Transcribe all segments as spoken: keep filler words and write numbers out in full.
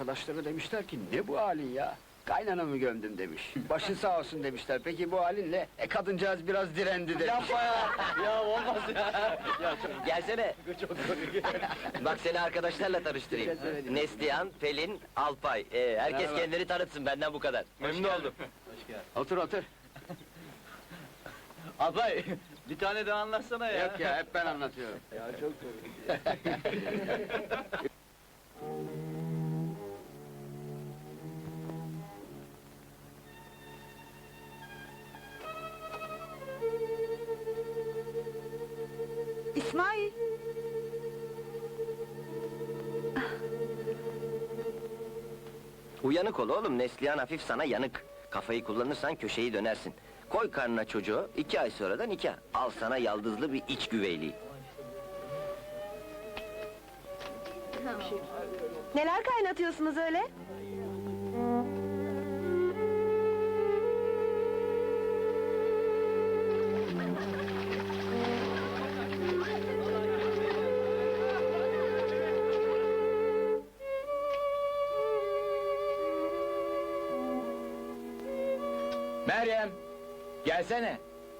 arkadaşları demişler ki, ne bu halin ya? Kaynanamı gömdüm demiş. Başı sağ olsun demişler. Peki bu halinle, e kadıncağız biraz direndi demiş. Yapma ya! Ya olmaz ya! Ya çok, Gelsene. çok komik. Bak seni arkadaşlarla tanıştırayım. Neslihan, Pelin, Alpay. Ee, herkes Merhaba. kendini tanıtsın, benden bu kadar. Memnun oldum. Hoş geldin. Otur otur. Abay, bir tane daha anlatsana ya. Yok ya, hep ben anlatıyorum. Ya çok komik. İsmail! Uyanık ol oğlum, Neslihan hafif sana yanık. Kafayı kullanırsan köşeyi dönersin. Koy karnına çocuğu, iki ay sonra da nikah. Al sana yaldızlı bir iç güveyliği. Neler kaynatıyorsunuz öyle? Meryem! Gelsene!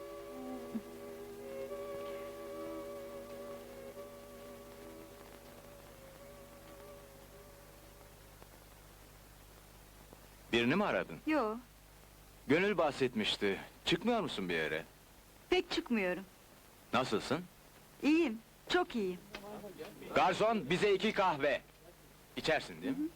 Birini mi aradın? Yo, Gönül bahsetmişti. Çıkmıyor musun bir yere? pek çıkmıyorum. Nasılsın? İyiyim, çok iyiyim. Garson, bize iki kahve. İçersin değil mi?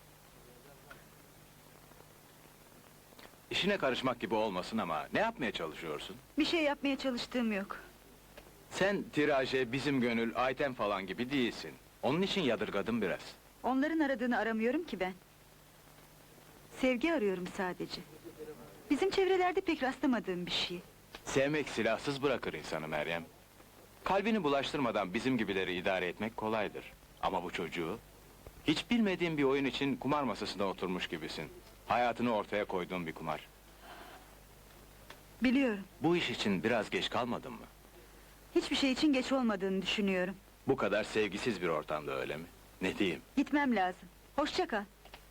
İşine karışmak gibi olmasın ama ne yapmaya çalışıyorsun? Bir şey yapmaya çalıştığım yok. Sen tiraje, bizim Gönül, Ayten falan gibi değilsin. Onun için yadırgadım biraz. Onların aradığını aramıyorum ki ben. Sevgi arıyorum sadece. Bizim çevrelerde pek rastlamadığım bir şey. Sevmek silahsız bırakır insanı Meryem. Kalbini bulaştırmadan bizim gibileri idare etmek kolaydır. Ama bu çocuğu... Hiç bilmediğin bir oyun için kumar masasına oturmuş gibisin. Hayatını ortaya koyduğun bir kumar. Biliyorum, Bu iş için biraz geç kalmadın mı? hiçbir şey için geç olmadığını düşünüyorum. Bu kadar sevgisiz bir ortamda öyle mi? Ne diyeyim? Gitmem lazım. Hoşça kal.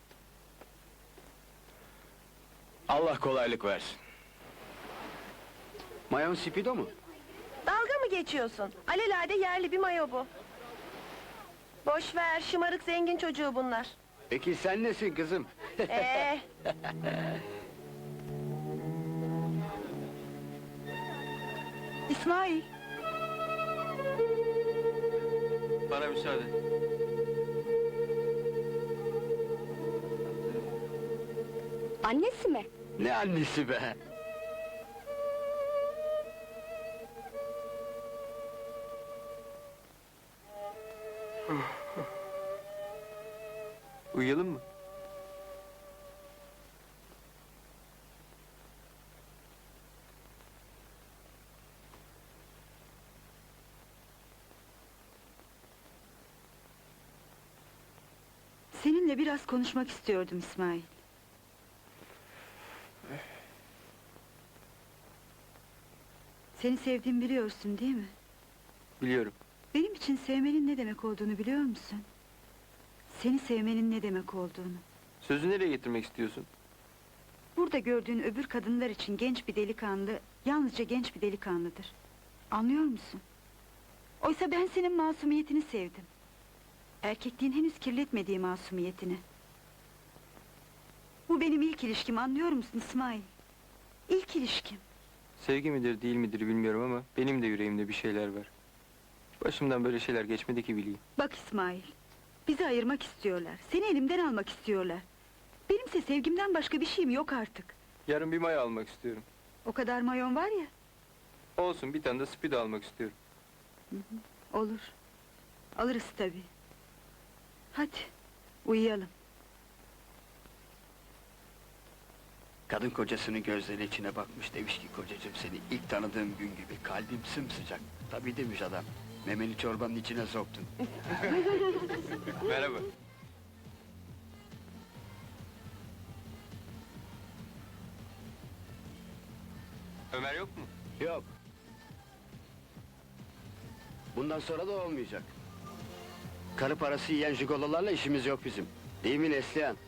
Allah kolaylık versin. Mayon Spido mu? Dalga mı geçiyorsun? Alelade yerli bir mayo bu. Boş ver, şımarık zengin çocuğu bunlar. Peki sen nesin kızım? Ee, İsmail! Bana müsaade. annesi mi? Ne annesi be? Uyuyalım mı? Seninle biraz konuşmak istiyordum İsmail. Seni sevdiğimi biliyorsun değil mi? Biliyorum. Benim için sevmenin ne demek olduğunu biliyor musun? Seni sevmenin ne demek olduğunu. Sözü nereye getirmek istiyorsun? Burada gördüğün öbür kadınlar için genç bir delikanlı, yalnızca genç bir delikanlıdır. Anlıyor musun? Oysa ben senin masumiyetini sevdim. Erkekliğin henüz kirletmediği masumiyetini. Bu benim ilk ilişkim, anlıyor musun İsmail? İlk ilişkim. Sevgi midir değil midir bilmiyorum ama benim de yüreğimde bir şeyler var. Başımdan böyle şeyler geçmedi ki bileyim. Bak İsmail, bizi ayırmak istiyorlar, seni elimden almak istiyorlar. Benimse sevgimden başka bir şeyim yok artık. Yarın bir maya almak istiyorum. O kadar mayon var ya. Olsun, bir tane de Speedo almak istiyorum. Olur. Alırız tabii. Hadi, uyuyalım. Kadın kocasının gözlerinin içine bakmış, demiş ki kocacığım seni ilk tanıdığım gün gibi kalbim sımsıcak. Tabii demiş adam, memeli çorbanın içine soktun. Merhaba. Ömer yok mu? Yok. Bundan sonra da olmayacak. Karı parası yiyen jigololarla işimiz yok bizim. Değil mi Neslihan?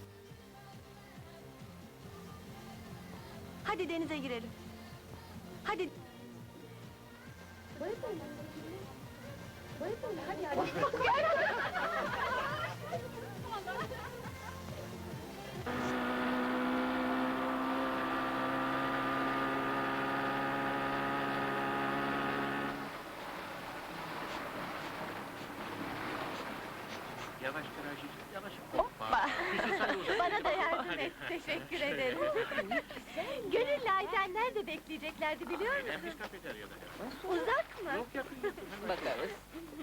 Hadi denize girelim. Hadi. Hoppa! Bana da yardım et, teşekkür ederim. Gönüllü Ayten nerede bekleyeceklerdi biliyor musun? Uzak mı? Bakarız.